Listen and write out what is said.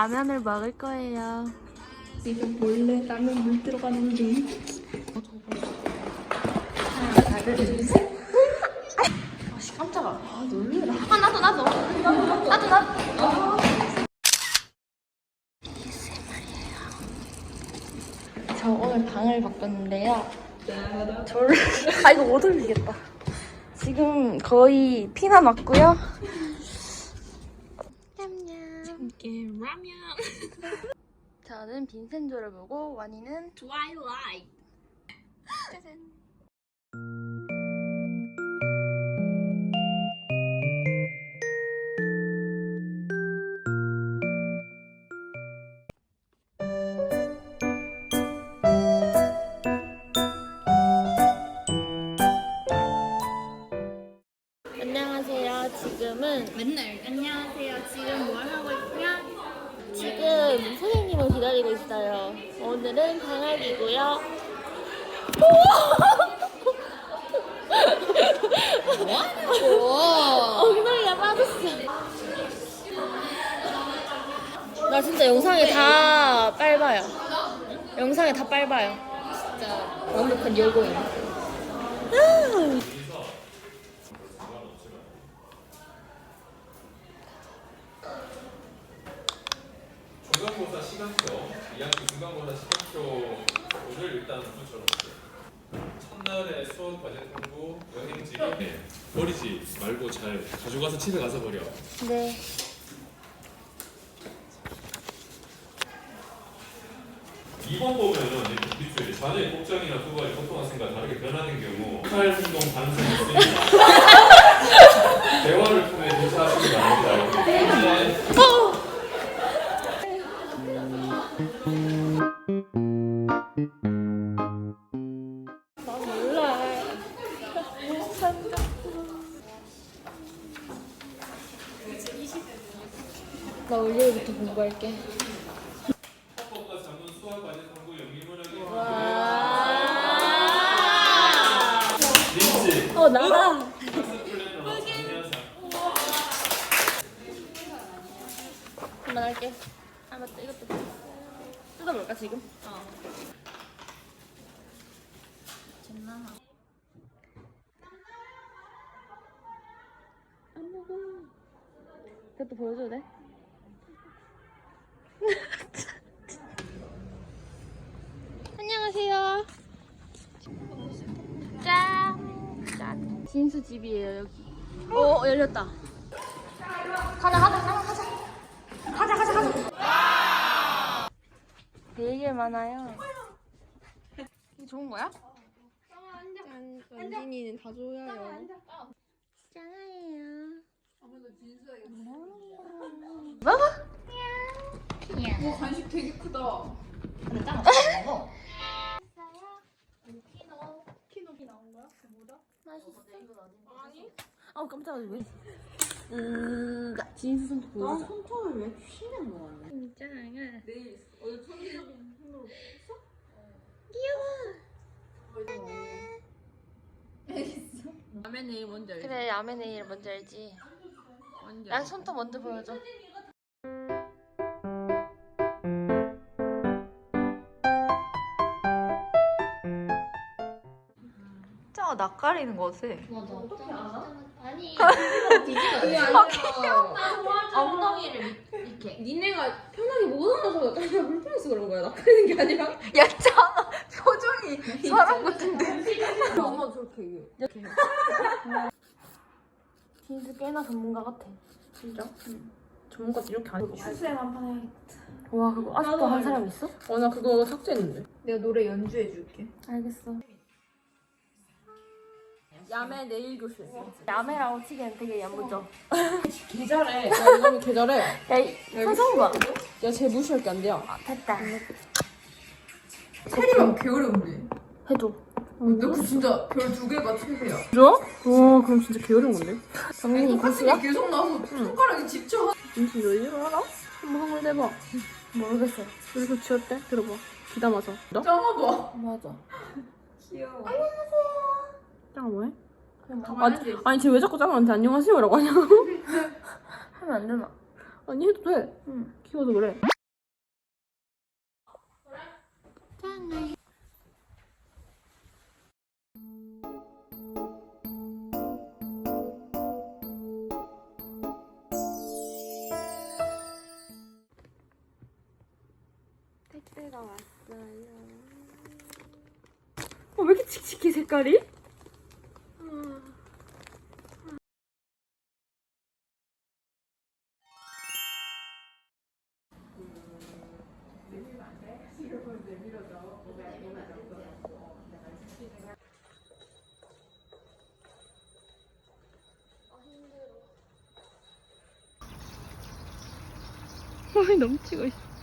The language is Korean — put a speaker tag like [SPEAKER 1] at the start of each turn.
[SPEAKER 1] 라면을 먹을 거예요.
[SPEAKER 2] 지금 몰래 라면 물 들어가는 중.
[SPEAKER 1] 하나, 둘, 셋. 아씨 깜짝아. 아 놀래라. 아 나도. 저 오늘 방을 바꿨는데요. 이거 못 올리겠다. 지금 거의 피나 났고요.
[SPEAKER 2] 함께 라면.
[SPEAKER 1] 저는 빈센조를 보고 와니는
[SPEAKER 2] 트와일라이트.
[SPEAKER 1] 짜잔. 안녕하세요. 지금은
[SPEAKER 2] 맨날 안녕하세요. 지금 뭘 하고 있냐?
[SPEAKER 1] 지금 선생님을 기다리고 있어요. 오늘은 방학이고요. 엉덩이가 빠졌어. 나 진짜 영상에 다 빨봐요. 영상에 다 빨봐요.
[SPEAKER 2] 진짜 완벽한 여고인.
[SPEAKER 3] 중간고사 시간표, 2학기 중간고사 시간표를 일단 우선처럼 첫날에 수업 과제 공부, 여행지 버리지 말고 잘 가져가서 집에 가서 버려.
[SPEAKER 1] 네.
[SPEAKER 3] 2번 보면은 밑줄에 자녀의 복장이나 수고가 보통 학생과 다르게 변하는 경우 폭발 행동 가능성이 있으니까 대화를 통해 조사하시기 바랍니다.
[SPEAKER 1] 나 몰라. 나 월요일부터 공부할게.
[SPEAKER 3] 헌법과 자문 수학 과제 탐구 영리문학의 린지
[SPEAKER 1] 나가.
[SPEAKER 3] 학습 플래너로 정리현상
[SPEAKER 1] 그만할게. 아 맞다, 이것도 뜯어볼까 지금? 잼나나. 안 먹어. 그것도 보여줘도 돼? 안녕하세요. 짠. 진수 집이에요 여기. 열렸다. 가자. 되게 많아요. 이게 좋은 거야?
[SPEAKER 2] 짠. 원진이는 다 줘야요.
[SPEAKER 1] 짱이에요. 먹어?
[SPEAKER 2] 간식 되게 크다. 키노 나온 거야? 뭐다?
[SPEAKER 1] 맛있어? 아니. 아우 깜짝이야 왜? 진수 손톱 보여줘.
[SPEAKER 2] 손톱을 왜 쉬는 거 같네.
[SPEAKER 1] 짱아.
[SPEAKER 2] 내일 어제 천리적인 손으로 했어?
[SPEAKER 1] 귀여워.
[SPEAKER 2] 알겠어. 라면 내일 뭔지 알지?
[SPEAKER 1] 그래 야매 네일 뭔지 알지?
[SPEAKER 2] 뭔지
[SPEAKER 1] 난 손톱 먼저 보여줘.
[SPEAKER 4] 진짜 낯가리는 거 같아.
[SPEAKER 1] 맞아. 어떻게 알아? 아니.
[SPEAKER 2] 그게 아니라
[SPEAKER 1] 엉덩이를 이렇게.
[SPEAKER 2] 니네가 편하게 못 알아서 약간 불편해서 그런 거야. 낯가리는 게 아니라.
[SPEAKER 4] 야, 짱아. 표정이 사람 같은데.
[SPEAKER 2] 엄마 저렇게 얘기해.
[SPEAKER 1] 이렇게. 진수 꽤나 전문가 같아.
[SPEAKER 2] 진짜? 응. 전문가도 이렇게 안 해.
[SPEAKER 4] 출생 한판 해야겠다.
[SPEAKER 1] 와 그거 아직도 한 사람 있어?
[SPEAKER 2] 나 그거 삭제했는데.
[SPEAKER 4] 내가 노래 연주해 줄게.
[SPEAKER 1] 알겠어.
[SPEAKER 2] 야매 내일 교실.
[SPEAKER 1] 야매라고 치기엔 되게 야무져.
[SPEAKER 2] 계절해. 야, 이거는 계절해.
[SPEAKER 1] 야, 이 표정 봐.
[SPEAKER 2] 야, 쟤 무시할 게 안 돼요.
[SPEAKER 1] 됐다.
[SPEAKER 4] 체리만 개 어려운데.
[SPEAKER 1] 해줘.
[SPEAKER 4] 너 그 진짜 별 2개가 최대야.
[SPEAKER 2] 진짜? 와, 그럼 진짜 게으른 건데?
[SPEAKER 1] 정민이 고수야?
[SPEAKER 4] 계속 나서 손가락이 집쳐.
[SPEAKER 2] 진짜 너 이거 알아? 한번 한글 내봐.
[SPEAKER 1] 모르겠어.
[SPEAKER 2] 그리고 지었대? 들어봐. 기담아서. 너?
[SPEAKER 4] 짱아 봐.
[SPEAKER 1] 맞아.
[SPEAKER 4] 귀여워.
[SPEAKER 2] 짱아 뭐해?
[SPEAKER 1] 그냥 뭐
[SPEAKER 2] 아니 쟤 왜 자꾸 짱아한테 안녕하세요라고 하냐?
[SPEAKER 1] 하면 안 되나?
[SPEAKER 2] 아니 해도 돼.
[SPEAKER 1] 응.
[SPEAKER 2] 키워서 그래.
[SPEAKER 1] 택배가 왔어요. 왜 이렇게 칙칙해 색깔이? 힘들어. 힘이 넘치고 있어.